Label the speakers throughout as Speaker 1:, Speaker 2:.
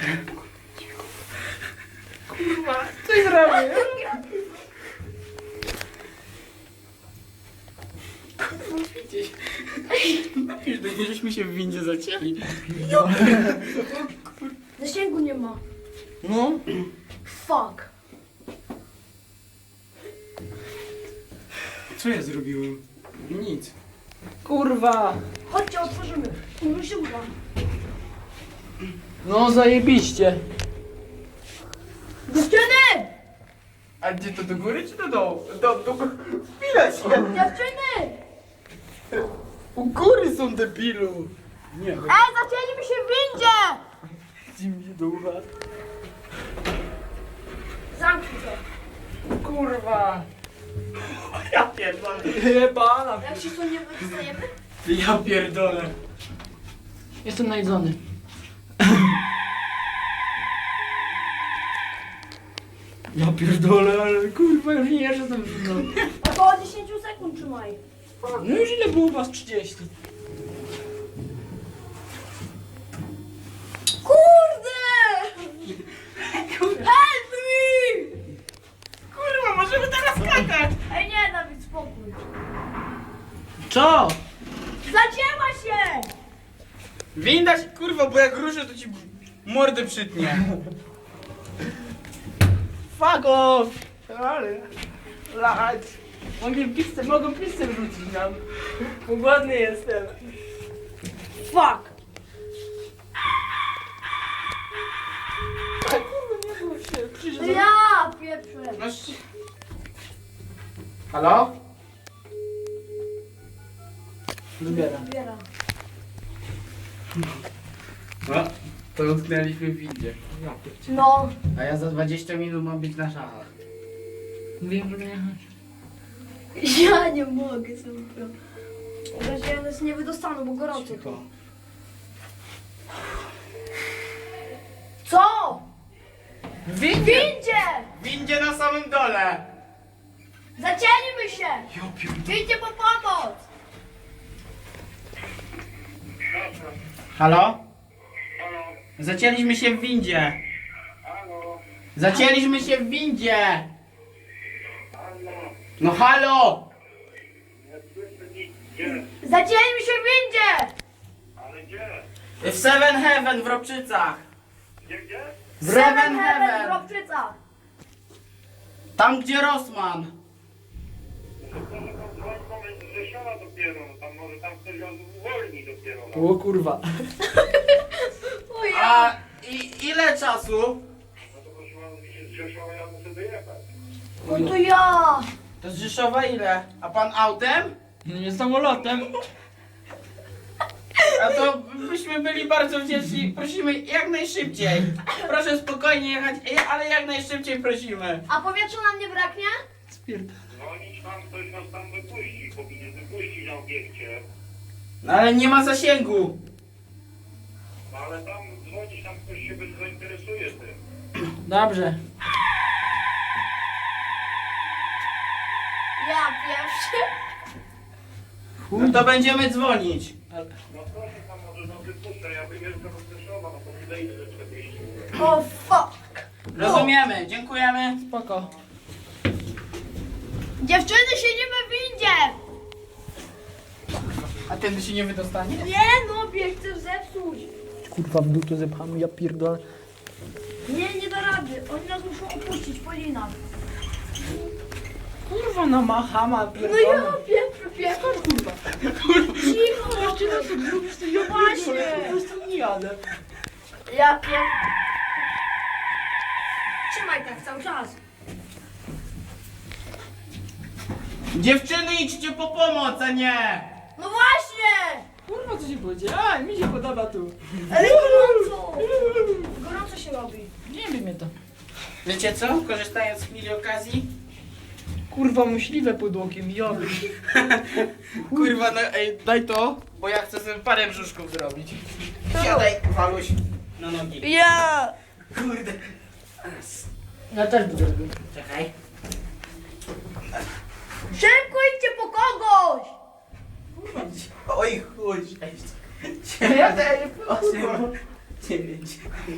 Speaker 1: Kurwa, coś zrobię. Kurwa, widzisz. Napisz do niej, żeśmy się w windzie zacięli.
Speaker 2: Zasięgu nie ma.
Speaker 1: No.
Speaker 2: Fuck.
Speaker 1: Co ja zrobiłem? Nic. Kurwa.
Speaker 2: Chodźcie, otworzymy. Już się uda.
Speaker 1: No zajebiście.
Speaker 2: Dziewczyny!
Speaker 1: A gdzie to, do góry czy do dołu? Do chwila się.
Speaker 2: Dziewczyny!
Speaker 1: U góry są, debilu. Nie,
Speaker 2: Zacięliśmy się w windzie!
Speaker 1: chodzi mi się do ucha.
Speaker 2: Zamknij to.
Speaker 1: Kurwa. Ja pierdolę. Jebana.
Speaker 2: Jak się tu nie wydostajemy?
Speaker 1: Ja pierdolę. Jestem najedzony. Ja pierdolę, ale kurwa już nie jestem.
Speaker 2: Około 10 sekund trzymaj.
Speaker 1: No już ile było was? 30.
Speaker 2: Kurde! Help me!
Speaker 1: Kurwa, możemy teraz skakać.
Speaker 2: Ej nie, Dawid, spokój.
Speaker 1: Co?
Speaker 2: Zacięła się!
Speaker 1: Winda się, kurwa, bo jak ruszę to ci mordę przytnie. Fuck off! Ale... Lać. Mogą pizzę wrzucić nam. Bo głodny jestem.
Speaker 2: Fuck!
Speaker 1: A kurwa, nie było się. Przyjdzie
Speaker 2: Ja pieprzę.
Speaker 1: Halo? Zbieram.
Speaker 2: Zbieram.
Speaker 1: No, to utknęliśmy w windzie.
Speaker 2: No.
Speaker 1: A ja za 20 minut mam być na szachach. Wiem, że nie.
Speaker 2: Ja nie mogę sobie. Ja nas nie wydostaną, bo gorąco tu. Co?
Speaker 1: W
Speaker 2: W
Speaker 1: windzie!
Speaker 2: windzie!
Speaker 1: W windzie na samym dole!
Speaker 2: Zacięliśmy się!
Speaker 1: Ja pierdolę.
Speaker 2: Wyjdźcie po pomoc!
Speaker 1: Halo?
Speaker 3: Halo,
Speaker 1: Zacięliśmy się w windzie!
Speaker 3: halo,
Speaker 1: Zacięliśmy się w windzie!
Speaker 3: halo.
Speaker 1: No halo!
Speaker 3: Nie słyszę nic. Gdzie?
Speaker 2: Zacięliśmy się w windzie!
Speaker 3: Ale gdzie?
Speaker 1: W Seven Heaven w Ropczycach!
Speaker 3: Gdzie?
Speaker 1: W
Speaker 2: Seven
Speaker 1: Seven
Speaker 2: Heaven w
Speaker 1: Heaven!
Speaker 2: Ropczycach!
Speaker 1: Tam gdzie Rossmann!
Speaker 3: To może tam dzwoń z Rzeszowa dopiero. Tam może tam ktoś go uwolni dopiero.
Speaker 1: O kurwa.
Speaker 2: O ja!
Speaker 1: A ile czasu?
Speaker 3: No to proszę pana, z Rzeszowa ja muszę dojechać.
Speaker 2: No to ja!
Speaker 1: To z Rzeszowa ile? A pan autem? Nie samolotem. A to byśmy byli bardzo wdzięczni. Prosimy jak najszybciej. Proszę spokojnie jechać, ale jak najszybciej prosimy.
Speaker 2: A powietrza nam nie braknie?
Speaker 3: Dzwonić tam, ktoś nas tam wypuści. Powinien wypuścić na obiekcie.
Speaker 1: No ale nie ma zasięgu.
Speaker 3: No ale tam dzwonić, tam ktoś się zainteresuje tym.
Speaker 1: Dobrze.
Speaker 2: Ja pierwszy.
Speaker 1: No to będziemy dzwonić.
Speaker 3: No proszę tam może no wypuszczę. Ja wyjeżdżam z Rzeszowa, no to wydaje się, że 40.
Speaker 2: O fuck!
Speaker 1: Rozumiemy, dziękujemy. Spoko.
Speaker 2: Dziewczyny, siedzimy w windzie!
Speaker 1: A ten się nie wydostanie?
Speaker 2: Nie no, bieg chcesz zepsuć.
Speaker 1: Kurwa w dół to zepchamy, ja pierdolę.
Speaker 2: Nie da rady. Oni nas muszą opuścić, Polina.
Speaker 1: Kurwa no machama
Speaker 2: No ja pieprzę.
Speaker 1: Kurwa.
Speaker 2: Cicho!
Speaker 1: Jeszcze raz jak zrobisz to ja
Speaker 2: Właśnie.
Speaker 1: Po prostu nie jadę.
Speaker 2: Ja pier... Trzymaj tak cały czas.
Speaker 1: Dziewczyny idźcie po pomoc, a nie!
Speaker 2: No właśnie!
Speaker 1: Kurwa co się powiedzie? A, mi się podoba tu.
Speaker 2: Ale gorąco! Gorąco się robi.
Speaker 1: Nie wiem mnie to. Wiecie co? Korzystając z chwili okazji. Kurwa myśliwe pod okiem, joby. Kurwa, no ej, daj to, bo ja chcę sobie parę brzuszków zrobić. Siadaj, Waluś, na nogi.
Speaker 2: Ja!
Speaker 1: Kurde. Ja też będę robił. Czekaj.
Speaker 2: Szybko idźcie po kogoś!
Speaker 1: Oj chuj, cześć. Ja też, 9.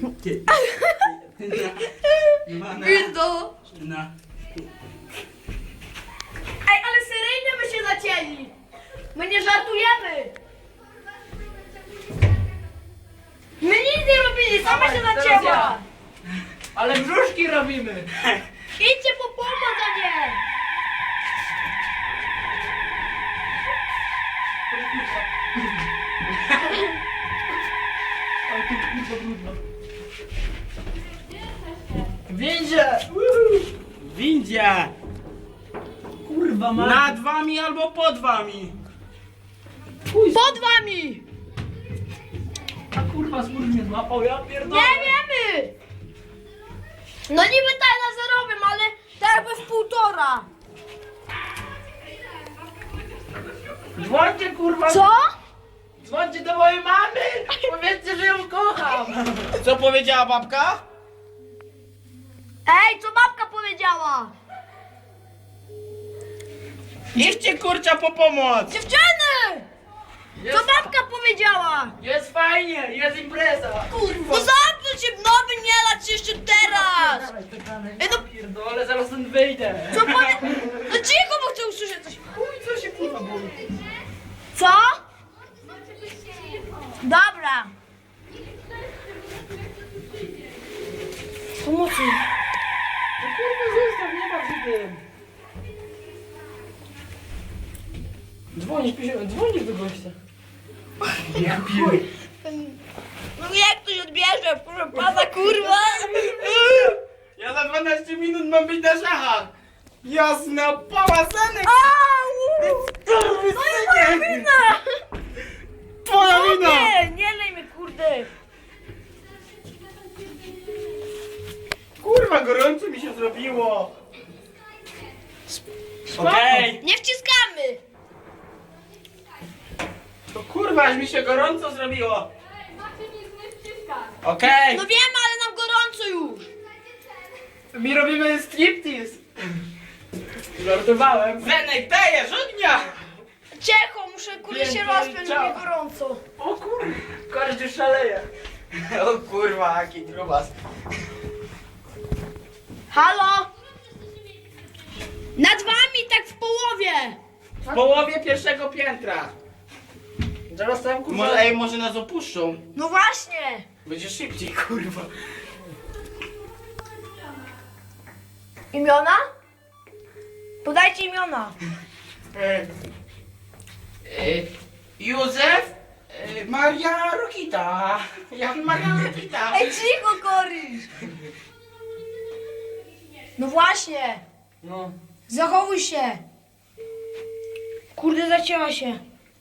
Speaker 2: Pizdo.
Speaker 1: Na.
Speaker 2: Ej, ale seryjnie my się zacięli. My nie żartujemy. My nic nie robili, sama się
Speaker 1: Dawaj, teraz
Speaker 2: zacięła.
Speaker 1: ja. Ale brzuszki robimy.
Speaker 2: Idźcie po pomoc, a nie.
Speaker 1: Ale tu kurwa brudno. Windzie! Windzie! Kurwa ma. Nad wami albo pod wami.
Speaker 2: Pod wami.
Speaker 1: A kurwa smurz mnie złapał, ja pierdolę.
Speaker 2: Nie wiemy. No niby tak na zerowym, ale tak jakby w 1,5.
Speaker 1: Dzwońcie kurwa.
Speaker 2: Co?
Speaker 1: Dzwońcie do mojej mamy. Powiedzcie, że ją kocham. Co powiedziała babka?
Speaker 2: Ej, co babka powiedziała?
Speaker 1: Idźcie kurcza po pomoc.
Speaker 2: Dziewczyny! Co babka powiedziała?
Speaker 1: Jest fajnie, jest impreza.
Speaker 2: No zamknij się, nowy nie lać jeszcze teraz! Ej, no,
Speaker 1: Pierdolę, zaraz stąd wyjdę.
Speaker 2: co powie... No cicho, bo chcę usłyszeć coś.
Speaker 1: Chuj, co się kurwa boi?
Speaker 2: Co? Dobra. Pomocy.
Speaker 1: No kurwa zostaw, nie baw się tym. Dzwonisz do gościa. Ja pierdolę.
Speaker 2: No jak ktoś odbierze, proszę pana, kurwa.
Speaker 1: Ja za 12 minut mam być na szachach. Jasna pałasanek.
Speaker 2: Au! No i moja wina!
Speaker 1: Twoja wina.
Speaker 2: Nie lej mnie, kurde.
Speaker 1: Kurwa, gorąco mi się zrobiło. Okej.
Speaker 2: Nie wciskamy.
Speaker 1: To kurwa, aż mi się gorąco zrobiło. Okej.
Speaker 2: No wiemy, ale nam gorąco już.
Speaker 1: Mi robimy striptease. Żartowałem. Zenek, dajesz ognia.
Speaker 2: Cicho, muszę kurde się
Speaker 1: Pięknie,
Speaker 2: rozpiąć, bo
Speaker 1: ciao.
Speaker 2: mi gorąco.
Speaker 1: O kurwa, każdy szaleje. O kurwa, jaki grubas.
Speaker 2: Halo? Nad wami, tak w połowie.
Speaker 1: W połowie pierwszego piętra. Zaraz tam kurwa. Może nas opuszczą.
Speaker 2: No właśnie.
Speaker 1: Będzie szybciej, kurwa.
Speaker 2: Imiona? Podajcie imiona.
Speaker 1: Józef, Maria Rokita. Jan Maria Rokita.
Speaker 2: Ej, cicho, Koryś. No właśnie.
Speaker 1: No.
Speaker 2: Zachowuj się. Kurde, zacięła się.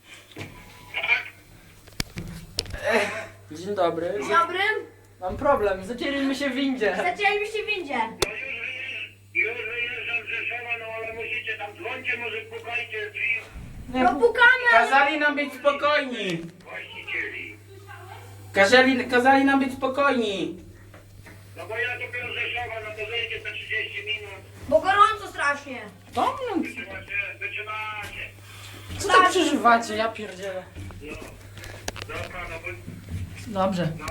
Speaker 1: Dzień dobry.
Speaker 2: Dzień dobry.
Speaker 1: Mam problem, zacięliśmy się w windzie.
Speaker 2: Zacięlibyście w windzie.
Speaker 3: No już wyjeżdżam z Rzeszowa, no ale musicie tam dzwońcie, może pukajcie drzwi
Speaker 2: No pukamy, ale...
Speaker 1: Kazali nam być spokojni.
Speaker 3: właścicieli.
Speaker 1: Kazali nam być spokojni.
Speaker 3: No bo ja dopiero z Rzeszowa, no to zejdzie za 30 minut.
Speaker 2: Bo gorąco strasznie.
Speaker 1: To no,
Speaker 3: Wytrzymacie.
Speaker 1: co tak przeżywacie, ja pierdzielę.
Speaker 3: No. Dobra, no bo...
Speaker 1: Dobrze.
Speaker 3: No.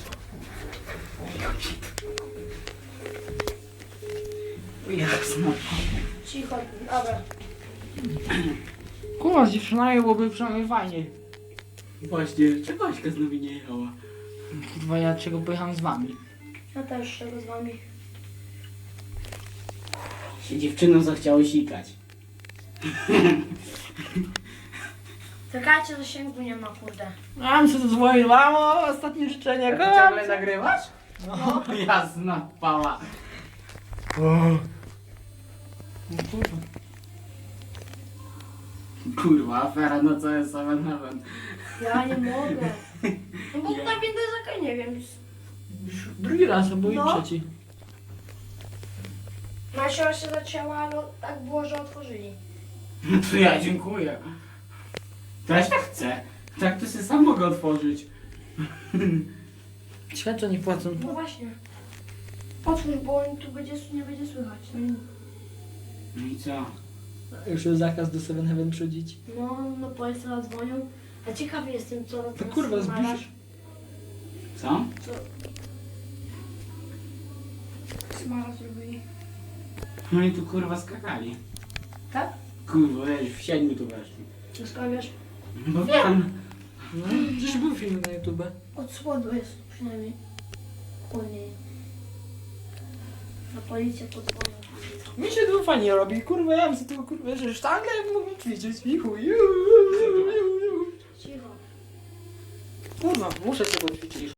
Speaker 1: Jasno.
Speaker 2: Cicho, dobra.
Speaker 1: Kurwa, z dziewczynami byłoby przynajmniej fajniej. Właśnie, czego Aśka znowu nie jechała? Kurwa, ja czego pojechałem z wami?
Speaker 2: Ja też czego z wami.
Speaker 1: Się dziewczynom zachciało sikać.
Speaker 2: Czekajcie, zasięgu nie ma, kurde.
Speaker 1: Ja bym sobie dzwonił, mamo, ostatnie życzenie.
Speaker 2: kocham
Speaker 1: ciągle
Speaker 2: cię.
Speaker 1: nagrywasz? No, jasna pała. Kurwa, afera, no co jest 7-Eleven?
Speaker 2: Ja nie mogę. No bo ta winda jest jaka, nie wiem.
Speaker 1: Drugi raz, albo i
Speaker 2: No.
Speaker 1: trzeci.
Speaker 2: Nasia się zacięła, ale tak było, że otworzyli.
Speaker 1: No to ja dziękuję. Też tak chcę. Tak to sobie sam mogę otworzyć. Światło nie płacą.
Speaker 2: No właśnie. Otwórz, bo on tu będzie, nie będzie słychać.
Speaker 1: No i co?
Speaker 4: Już jest zakaz do 7-Eleven przychodzić.
Speaker 2: No, no państwo dzwonią. A ciekawy jestem, co
Speaker 4: To kurwa,
Speaker 2: znalazł.
Speaker 1: Co?
Speaker 2: Co? Smara zrobili.
Speaker 1: No i tu kurwa skakali.
Speaker 2: Tak?
Speaker 1: Kurwa, wiesz, w 7 tu weszli.
Speaker 2: Co sprawiasz?
Speaker 1: Bo wiem.
Speaker 4: No, przecież był film na YouTube.
Speaker 2: Od spodu jest przynajmniej. Wolniej. Na policję podzwonią.
Speaker 4: Mi się to fajnie robi, kurwa, ja bym sobie tego kurwa, że sztangę mógł ćwiczyć i chuj.
Speaker 2: Cicho.
Speaker 4: Kurwa, muszę się poćwiczyć.